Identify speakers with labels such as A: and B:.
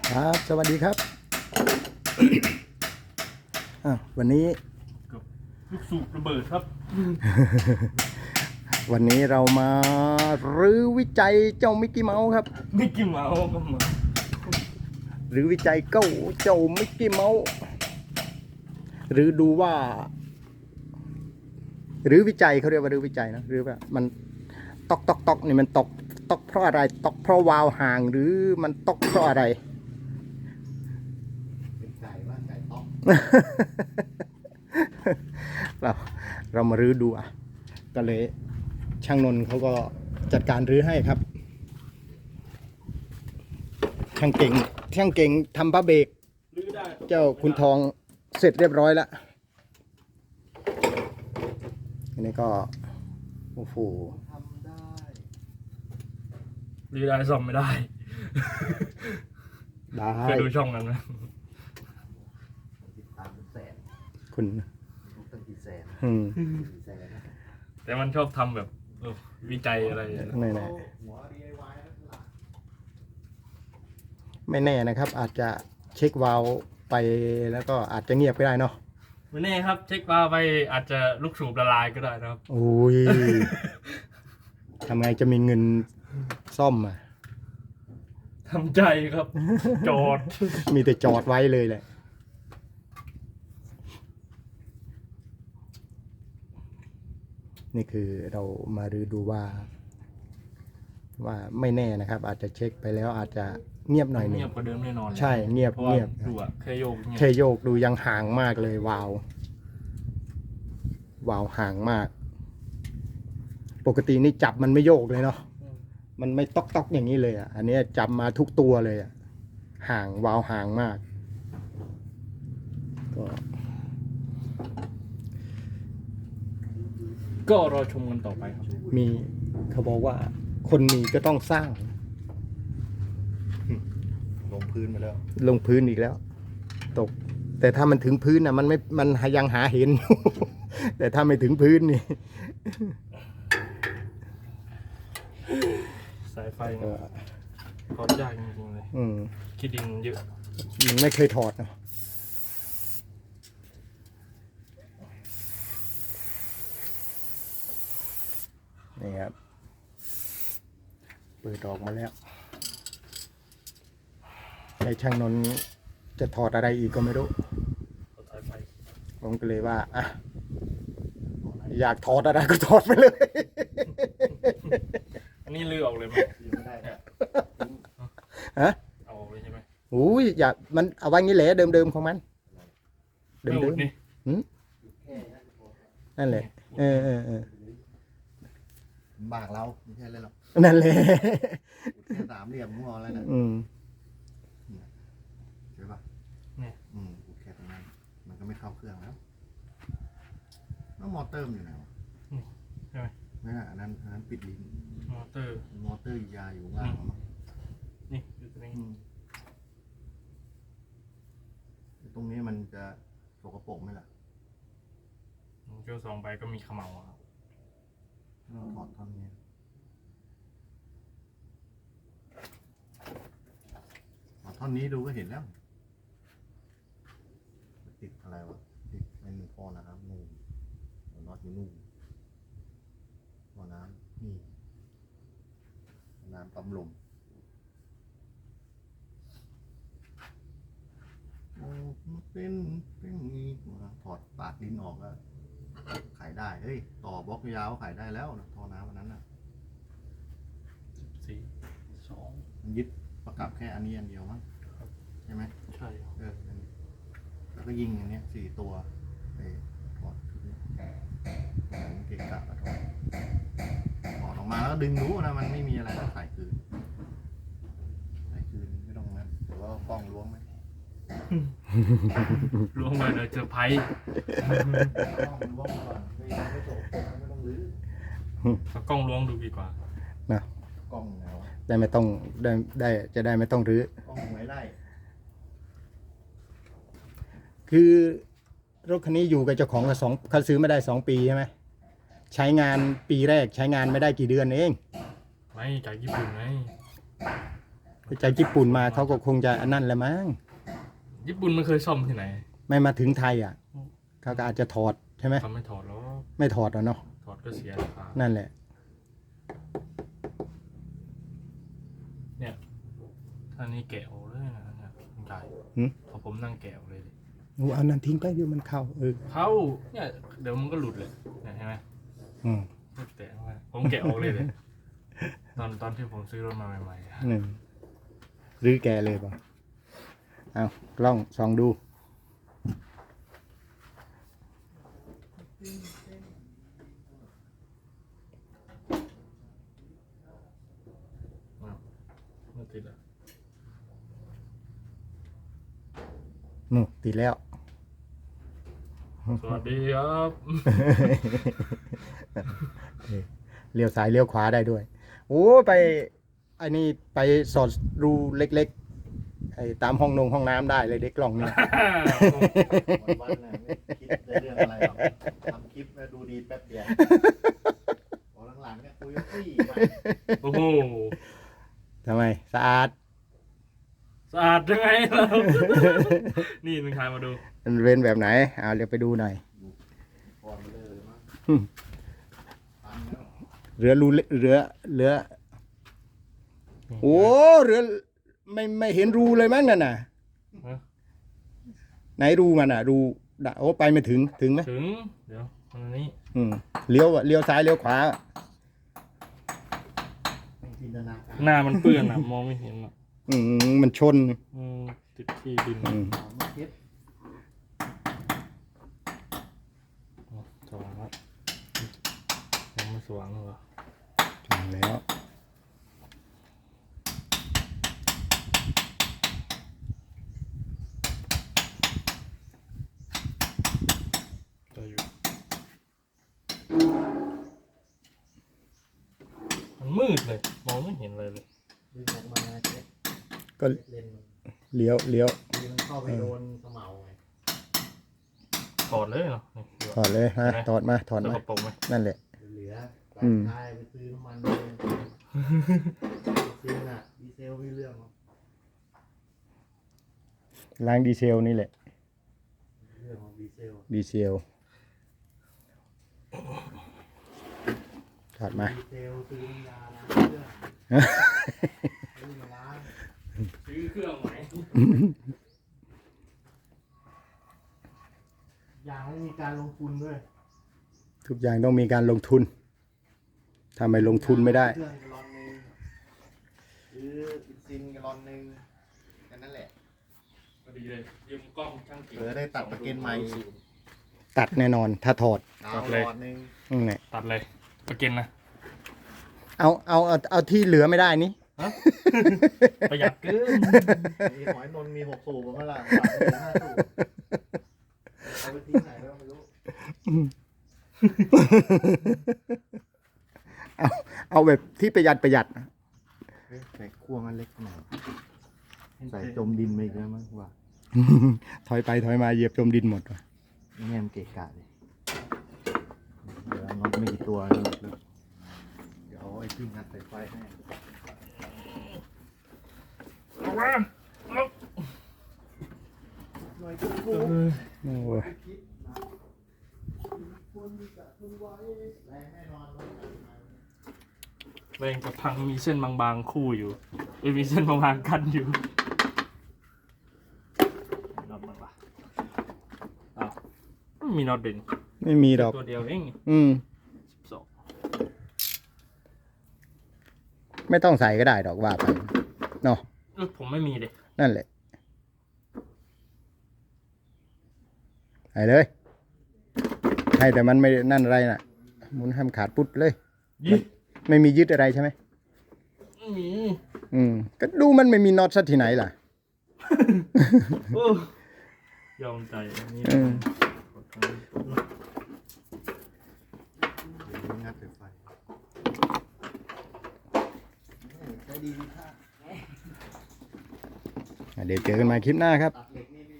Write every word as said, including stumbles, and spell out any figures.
A: ครับสวัสดีครับ วันนี้
B: กับลูกสูบระเบิดครับ
A: วันนี้เรามารื้อวิจัยเจ้ามิกกี้เมาส์ครับ
B: มิกกี้เมาส์ก็มา
A: หรือวิจัยเก้าเจ้ามิกกี้เมาส์หรือดูว่า หรือวิจัยเขาเรียกว่าหรือวิจัยนะหรือว่ามันตอกตอกตอกนี่มันตกตอกเพราะอะไรตอกเพราะวาล์วห่างหรือมันตอกเพราะอะไร
C: เป็นไก่ว่าไก่ต๊อก
A: เราเรามารื้อดูอ่ะก็เลยช่างนนท์เขาก็จัดการรื้อให้ครับช่างเก่งช่างเก่งทำผ้าเบรกเจ้าคุณทองเสร็จเรียบร้อยแล้วอันนี้ก็โอ้โห
C: ทำได้
B: รื้อได้ซ่อมไม่ได้
A: ได้
B: เคยดูช่องนั้นไหม
C: ติดตามเป็นแสน
A: คุณ
C: ทุกตั้งกี่แสน
A: อืม
C: กี่แสนนะ
B: แต่มันชอบทำแบบเออวิจัยอะไรอย่างเงี้ย
A: ไม่แน่
C: หัว ดี ไอ วาย นั่นหลัก
A: ไม่แน่นะครับ อาจจะเช็ควาล์วไปแล้วก็อาจจะเงียบก็ได้เนาะ
B: ไม่แน่ครับ เช็คว่าไปอาจจะลูกสูบละลายก็ได้นะครับ
A: โอ้ยทำไงจะมีเงินซ่อมอ่ะ
B: ทำใจครับ จอด
A: มีแต่จอดไว้เลยแหละนี่คือเรามาดูดูว่า ว่าไม่แน่นะครับ อาจจะเช็คไปแล้วอาจจะเงียบหน่อยหนึง
B: เงียบกว่าเดิมแน่นอน
A: ใช่เงียบ
B: เพราะว่า
A: เงียบ
B: ดูอะแค่โยกเงียบ
A: เคโยกดูยังห่างมากเลยวาววาวห่างมาก ปกตินี่จับมันไม่โยกเลยเนาะมันไม่ต๊อกต๊อกอย่างนี้เลยอ่ะอันนี้จับมาทุกตัวเลยอ่ะห่างวาวห่างมากก็
B: ก็รอชมกันต่อไปครับ
A: มีเขาบอกว่า คนมีก็ต้องสร้าง
C: ลงพื้นมาแล้ว
A: ลงพื้นอีกแล้ว ตก แต่ถ้ามันถึงพื้นน่ะมันไม่มันยังหาเห็น อยู่ แต่ถ้าไม่ถึงพื้นนี่
B: สายไฟ
A: เออ
B: ถอดยากจริงๆเลย
A: อืม
B: คิดดินเยอะ
A: มันไม่เคยถอดเนาะนี่ครับเปิดออกมาแล้วไอ้ช่างนนท์จะถอดอะไรอีกก็ไม่รู้
B: ถอดสายไฟ
A: ผมก็เลยว่าอ่ะอยากถอดอะไรก็ถอดไปเลย
B: อันนี้ลือออกเลยไหม
C: ยังไม่ได้นะ
A: ฮะ
B: เอาออกเลยใช่ไหม
A: อุ้ยอย่ามันเอาไว้งี้แหละเดิมๆของมัน เดิ
B: ไม่อุ
A: ม
B: ดนี่
A: ๆหืมนั่นแหละเออเออเออ
C: บากเราไม่ใช่เลยหรอก
A: นั่นแหละ
C: แค่สามเหลี่ยมงอแล้วนะ
A: อืม
C: ใช่ปะ
B: เนี่ย
C: อืมแค่ตรงนั้นมันก็ไม่เข้าเครื่องแล้วแล้วมอเตอร์มันอยู่ไหนวะ
B: ใช่ไหม
C: ไม่น่ะอันนั้นอันนั้นปิดลิ้น
B: มอเตอร์
C: มอเตอร์ยาอยู่ข้างล่างมั้ง
B: นี่อยู่ตรงนี้
C: อืมตรงนี้มันจะสกปรกไหมล่ะ
B: เจ้าสองใบก็มีเขมเหลาอะครับ
C: เราถอดท่อนนี้ถอดท่อนนี้ดูก็เห็นแล้ว ติดอะไรวะ ติดเป็นพอนะครับนูนน็อตอยู่นู่นพอน้ำนี่น้ำปั๊มลมโอ้มันเป็นเป็นนี้ถอดปากลิ้นออกแล้วขายได้เฮ้ยต่อบล็อกยาวขายได้แล้วนะท่อน้ำอันนั้นน่ะ
B: สี่สอง
C: มันยึดประกับแค่อันนี้อันเดียวมั้งใช่ไหม
B: ใช่ครับ
C: เอออันนี้แล้วก็ยิงอย่างเนี้ยสี่ตัวไปถอดคือเหมือนเกะกะอะถอดถอดออกมาแล้วก็ดึงรู้นะมันไม่มีอะไรใส่คืนใส่คืนไม่ต้องนะแต่ว่ากล้องล้วงไหม
B: ล้วงมาเดี๋ยวเจอไพ่
C: กล้องล้วงก่อนไม่ไม่จบไม่ต้องรื้อ
B: เอากล้องล้วงดูดีกว่า
A: นะ
C: กล้องแล้ว
A: ได้ไม่ต้องได้ได้จะได้ไม่ต้องรื้อก
C: ล้องไว้ไล่
A: คือรถคันนี้อยู่กับเจ้าของกับสองเขาซื้อไม่ได้สองปีใช่ไหมใช้งานปีแรกใช้งานไม่ได้กี่เดือนเอง
B: ไม่จากญี่ปุ่นไงม
A: ไปจากญี่ปุ่นมาเขาก็คงจะอันนั่นแหละมั้ง
B: ญี่ปุ่นมันเคยซ่อมที่ไหน
A: ไม่มาถึงไทยอ่ะเขาก็อาจจะถอดใช่ไหม
B: ทำไม่ถอดแล้ว
A: ไม่ถอดอ่ะเนาะ
B: ถอดก็เสียราคา
A: นั่นแหละ
B: เนี่ยท่านี้แกะออกเลยนะเนี่ยคุณกาย
A: หืม
B: พอผมนั่งแกะออกเลยดิ
A: โอ้เอานั่นทิ้งไปเดี๋ยวมันเข้าเออ
B: เข้าเนี่ยเดี๋ยวมันก็หลุดเลยเนี่ยเห็นไหม
A: อืม
B: แตะเข้าไปผมแกะออกเลยเลยตอนตอนที่ผมซื้อรถมาใหม่ๆอะ
A: หนึ่งรื้อแกเลยป่ะเอากล้องส่องดู
B: อ้าวไม่ติดอ่ะ
A: นู่นติดแล้ว
B: สวัสดีครับ
A: เลี้ยวซ้ายเลี้ยวขวาได้ด้วย โอ้ไปไอ้นี่ไปสอดรูเล็กๆไอ้ตามห้องนงห้องน้ำได้เลยเด็กกล่องเนี่ย
C: วันๆน่ะไม่คิดในเรื่องอะไรหรอกทำคลิปแล้วดูดีแป๊บเดียวพอหลังๆเนี่ยคุยกับพี่มา
B: โอ้โห
A: ทำไมสะอาด
B: สะอาดยังไงเรา นี่มึงทายมาดู
A: มันเป็นแบบไหนเอาเดี๋ยวไปดูหน่อย
C: ก่อนมาเลยมั้ง
A: อืม
C: ตันแล้ว
A: เรือรูเล็กเรือเรือโอ้เรือไม่ไม่เห็นรูเลยมั้งนั่นน่ะ
B: ฮะ
A: ไหนรูมันอ่ะ รูดะโอ้ไปไม่ถึงถึงไหม
B: ถึง เดี๋ยวอันนี้
A: อืมเลี้ยวอะเลี้ยวซ้ายเลี้ยวขวา
C: ไม่จินตนาการ
B: หน้ามันเปื้อนอ่ะ มองไม่เห็นอ่ะ
A: อืมมันชน
B: อืมติดที่ดิน
A: อืม
C: ถามว่าคิด
B: อ๋อสว่างแล้วยังไม่สว่างเหรอ
A: ถึงแล้ว
B: จะอยู่มันมืดเลย มองไม่เห็นเลยเลย
C: ดึงออกมาเช็ด
A: ก็
C: เลนส์มัน
A: เลี้ยวเลี้ยว
C: ดีมันเข้าไปโดนสมเอาไง
B: ถอดเลยเหรอนี่ดู
A: ถอดเลยฮะถอดมาถอด
B: แล้ว
A: มา
B: ก็ปกไหม
A: นั่นแหละ
C: เหลือ
A: อืม
C: ตายไปซื้อน้ำมันเลยซื้อน่ะดีเซลไม่เรื่องหรอก
A: ล้างดีเซลนี่แหละ
C: เรื่องของดีเซล
A: ดีเซลถอดมา
C: ดีเซลซื้อน้ำยาล้างเครื่องซื้อมาล้าง
B: ซื้อเครื่องไหม
C: อย่างไม่มีการลงทุนด้วย
A: ทุกอย่างต้องมีการลงทุนถ้าไม่ลงทุนไม่ได้
C: เครื่องกะลอนหนึ่งหรืออินซินกะลอนหนึ่งแค่นั้นแหละ
B: พอดีเลยยืมกล้องช่างกิ่ง
C: เออได้ตัดประเก็นใหม่
A: ตัดแน่นอนถ้าถอด
C: ดาวหลอดหนึ่ง
A: นั่นแหละ
B: ตัดเลยประเก็นนะ
A: เอาเอาเอาเอาที่เหลือไม่ได้นี่
B: ฮะ ประหยัดเกิน
C: มีหอยนนท์มีหกสูบผมว่าล่ะฝากเหลือห้าสูบเอาไปทิ้งไหนแล้วไม่รู้
A: เอาเอาแบบที่ประหยัดประหยัด
C: เฮ้ยใส่ขั้วมันเล็กหน่อยใส่จมดินไปอีกแล้วมั้งว่า
A: ถอยไปถอยมาเหยียบจมดินหมดว่ะ
C: แง่มนเกะกะเลยเดี๋ยวน็อตไม่กี่ตัวนี่เดี๋ยวเอาไอ้ที่งัดสายไฟให้
B: เอามาเอา
C: หน่อยก็โกง
A: โอ้ย
C: คิดนะควรจะทนไว้แรงแน่นอนว่าจะมา
B: แรงกับพังมีเส้นบางๆคู่อยู่เอ้ยมีเส้นบางๆกันอยู่น็อตมันปะอ้าวไม่มีน็อตเด่น
A: ไม่มีดอก
B: ตัวเดียวเอง
A: อืม
B: สิบสอง
A: ไม่ต้องใส่ก็ได้ดอกว่าไปเนาะ
B: เออผมไม่มีเลย
A: นั่นแหละใส่เลยให้แต่มันไม่นั่นอะไรน่ะหมุนให้มันขาดปุ๊ดเลย
B: ยี่
A: ไม่มียึดอะไรใช่ไหม
B: ไม่มี
A: อืมก็ดูมันไม่มีน็อตซะที่ไหนล่ะ
B: โอ้ยอมใจอันนี้
A: อืม
C: เดี๋ยวงัดสายไฟใช้ดีดีค่ะ
A: อ่ะเดี๋ยวเจอกันใหม่คลิปหน้าครับ
C: ตัด